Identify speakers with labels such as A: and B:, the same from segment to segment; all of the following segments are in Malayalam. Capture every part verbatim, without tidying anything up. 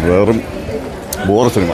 A: വെറും ബോർ സിനിമ.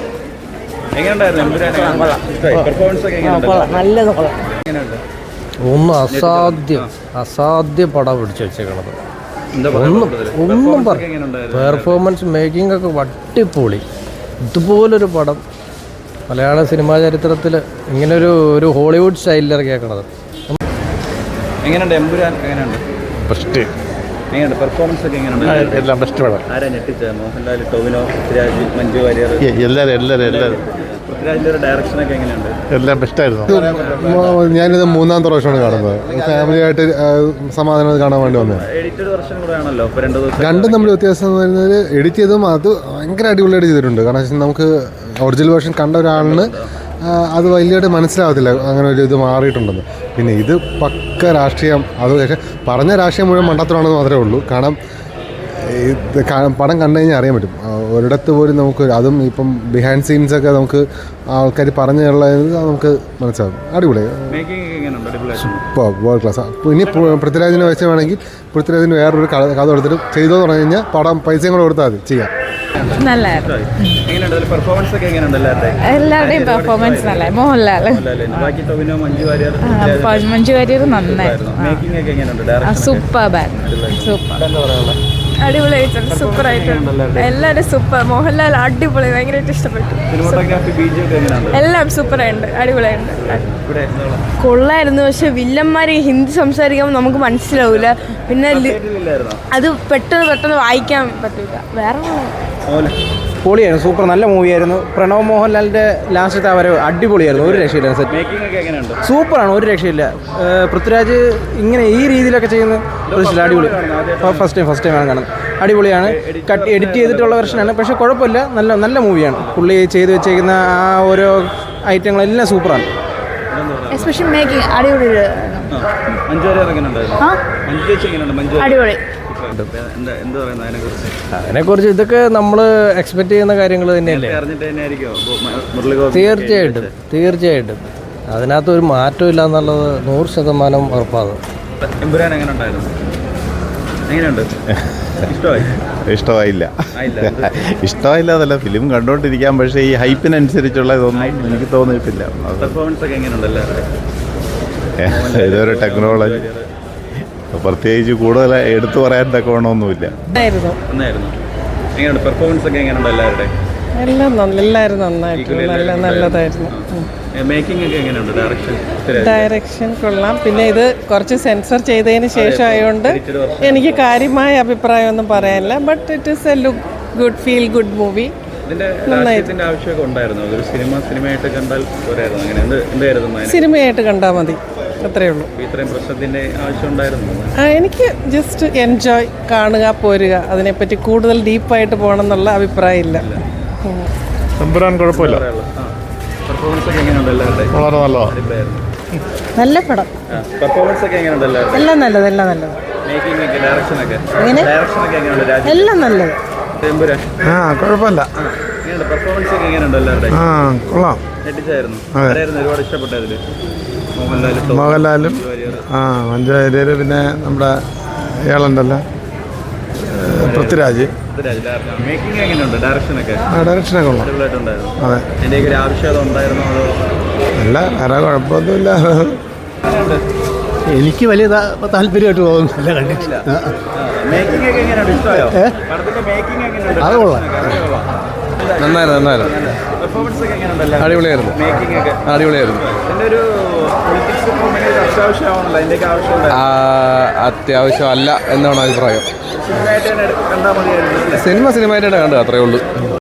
B: ഒന്നും അസാധ്യം അസാധ്യ പടം പിടിച്ചു വെച്ചേക്കണത്. ഒന്നും ഒന്നും പറ പെർഫോമൻസ് മേക്കിംഗ് ഒക്കെ വട്ടിപ്പൊളി. ഇതുപോലൊരു പടം മലയാള സിനിമാ ചരിത്രത്തിൽ ഇങ്ങനൊരു ഒരു ഹോളിവുഡ് സ്റ്റൈലിൽ ഇറക്കിയേക്കണത്.
C: എങ്ങനെയുണ്ട് എമ്പുരാൻ? എങ്ങനെയുണ്ട്
A: ബെസ്റ്റ്
C: എങ്ങനെയുണ്ട് പെർഫോമൻസ് ഒക്കെ? എങ്ങനെയുണ്ട്?
A: എല്ലാം ബെസ്റ്റ് പടം.
C: ആരാ ഞെട്ടിച്ച? മോഹൻലാൽ, ടൊവിനോ, പൃഥ്വിരാജ്, മഞ്ജു വാര്യർ,
A: എല്ലാവരും എല്ലാവരും എല്ലാവരും.
C: പൃഥ്വിരാജിൻ്റെ ഒരു ഡയറക്ഷനൊക്കെ എങ്ങനെയുണ്ട്?
A: എല്ലാം ബെസ്റ്റായിരുന്നു.
D: ഞാനിത് മൂന്നാമത്തെ പ്രാവശ്യമാണ് കാണുന്നത്. ഫാമിലിയായിട്ട് സമാധാനം കാണാൻ വേണ്ടി വന്നത്.
C: എഡിറ്റഡ് വെർഷൻ കൂടെ ആണല്ലോ ഇപ്പോൾ രണ്ട് ദിവസം.
D: രണ്ടും തമ്മിൽ വ്യത്യാസം എന്ന് പറയുന്നത് എഡിറ്റ് ചെയ്തതും അത് ഭയങ്കര അടിപൊളിയായിട്ട് ചെയ്തിട്ടുണ്ട്. കാരണം വെച്ചാൽ നമുക്ക് ഒറിജിനൽ വേർഷൻ കണ്ട ഒരാളിന് അത് വലിയതായിട്ട് മനസ്സിലാവത്തില്ല അങ്ങനെ ഒരു ഇത് മാറിയിട്ടുണ്ടെന്ന്. പിന്നെ ഇത് പക്ക രാഷ്ട്രീയം. അത് പക്ഷേ പറഞ്ഞ രാഷ്ട്രീയം മുഴുവൻ മണ്ടത്തരമാണെന്ന് മാത്രമേ ഉള്ളൂ. കാരണം ഇത് പടം കണ്ടു കഴിഞ്ഞാൽ അറിയാൻ പറ്റും. ഒരിടത്ത് പോലും നമുക്ക് അതും ഇപ്പം ബിഹൈൻഡ് സീൻസൊക്കെ നമുക്ക് ആൾക്കാർ പറഞ്ഞുള്ളത് നമുക്ക് മനസ്സിലാവും. അടിപൊളി, ഇപ്പോൾ വേൾഡ് ക്ലാസ്. ഇനി പൃഥ്വിരാജിനെ വെച്ച് വേണമെങ്കിൽ പൃഥ്വിരാജിന് വേറൊരു കഥ എടുത്തിട്ട് ചെയ്തോ പറഞ്ഞു കഴിഞ്ഞാൽ പടം പൈസയും കൂടെ കൊടുത്താൽ മതി, ചെയ്യാം.
E: എല്ലാവരുടെയും പെർഫോമൻസ് നല്ല. മോഹൻലാൽ, മഞ്ജു വാര്യർ നന്നായിരുന്നു. സൂപ്പർ സൂപ്പർ അടിപൊളിയായിട്ടുണ്ട്. സൂപ്പർ ആയിട്ടുണ്ട്. എല്ലാവരും സൂപ്പർ. മോഹൻലാൽ അടിപൊളി, ഭയങ്കരമായിട്ട് ഇഷ്ടപ്പെട്ടു. എല്ലാം സൂപ്പറായിട്ടുണ്ട്, അടിപൊളിയായിട്ടുണ്ട്. കൊള്ളായിരുന്നു. പക്ഷെ വില്ലന്മാര് ഹിന്ദി സംസാരിക്കുമ്പോൾ നമുക്ക് മനസ്സിലാവൂല. പിന്നെ അത് പെട്ടെന്ന് പെട്ടെന്ന് വായിക്കാൻ പറ്റൂല. വേറെ
B: പൊളിയായിരുന്നു, സൂപ്പർ, നല്ല മൂവിയായിരുന്നു. പ്രണവ് മോഹൻലാലിൻ്റെ ലാസ്റ്റത്തെ വരവ് അടിപൊളിയായിരുന്നു, ഒരു രക്ഷയില്ല. സൂപ്പറാണ്, ഒരു രക്ഷയില്ല. പൃഥ്വിരാജ് ഇങ്ങനെ ഈ രീതിയിലൊക്കെ ചെയ്യുന്ന പ്രതീക്ഷിച്ചില്ല. അടിപൊളി. ഫസ്റ്റ് ടൈം ഫസ്റ്റ് ടൈമാണ് കാണുന്നത്. അടിപൊളിയാണ്. കട്ട് എഡിറ്റ് ചെയ്തിട്ടുള്ള വെർഷനാണ്, പക്ഷേ കുഴപ്പമില്ല. നല്ല നല്ല മൂവിയാണ്. പുള്ളി ചെയ്ത് വെച്ചേക്കുന്ന ആ ഓരോ ഐറ്റങ്ങളെല്ലാം സൂപ്പറാണ്.
E: എസ്പെഷ്യലി മേക്കിംഗ് അടിപൊളി. അടിപൊളി.
B: അതിനെക്കുറിച്ച് ഇതൊക്കെ നമ്മൾ എക്സ്പെക്ട് ചെയ്യുന്ന കാര്യങ്ങൾ തന്നെയല്ലേ. തീർച്ചയായിട്ടും തീർച്ചയായിട്ടും അതിനകത്ത് ഒരു മാറ്റം ഇല്ല എന്നുള്ളത് നൂറ് ശതമാനം ഉറപ്പാണ്.
A: ഇഷ്ടമായില്ല ഇഷ്ടമായില്ല എന്നല്ല, ഫിലിം കണ്ടുകൊണ്ടിരിക്കാം. പക്ഷേ ഈ ഹൈപ്പിനനുസരിച്ചുള്ള ഇതൊന്നും എനിക്ക് തോന്നിയിട്ടില്ല. ഇതൊരു ടെക്നോളജി പ്രത്യേകിച്ച് കൂടുതൽ എടുത്തു പറയാൻ തക്കവണ്ണമൊന്നുമില്ല.
F: ഡയറക്ഷൻ കൊള്ളാം. പിന്നെ ഇത് കുറച്ച് സെൻസർ ചെയ്തതിന് ശേഷം ആയതുകൊണ്ട് എനിക്ക് കാര്യമായ അഭിപ്രായമൊന്നും പറയാനില്ല. But it is a look good, feel good movie. സിനിമയായിട്ട് കണ്ടാൽ മതി, അത്രേ ഉള്ളൂ. എനിക്ക് ജസ്റ്റ് എൻജോയ്, കാണുക, പോരുക. അതിനെപ്പറ്റി കൂടുതൽ ഡീപ്പായിട്ട് പോകണം എന്നുള്ള അഭിപ്രായമില്ല.
D: കുഴപ്പമില്ല, വളരെ
E: നല്ല പടം. എല്ലാം നല്ലത്, എല്ലാം നല്ലത്, എല്ലാം നല്ലത്.
D: ആ കുഴപ്പമില്ല, ആ കൊള്ളാം. മോഹൻലാലും ആ മഞ്ജു വാര്യർ, പിന്നെ നമ്മുടെ ഇയാളുണ്ടല്ലോ പൃഥ്വിരാജ്. ഡയറക്ഷനൊക്കെ കൊള്ളാം. അതെ, അല്ല വേറെ കുഴപ്പമൊന്നുമില്ല.
B: എനിക്ക് വലിയ താല്പര്യമായിട്ട് തോന്നുന്നില്ല, കണ്ടിട്ടില്ല.
D: അത് കൊള്ളാം,
B: നന്നായിരുന്നു നന്നായിരുന്നു അടിപൊളിയായിരുന്നു അടിപൊളിയായിരുന്നു അത്യാവശ്യം അല്ല എന്നാണ് അഭിപ്രായം. സിനിമ സിനിമയായിട്ടാണ് കണ്ടത്, അത്രയേ ഉള്ളൂ.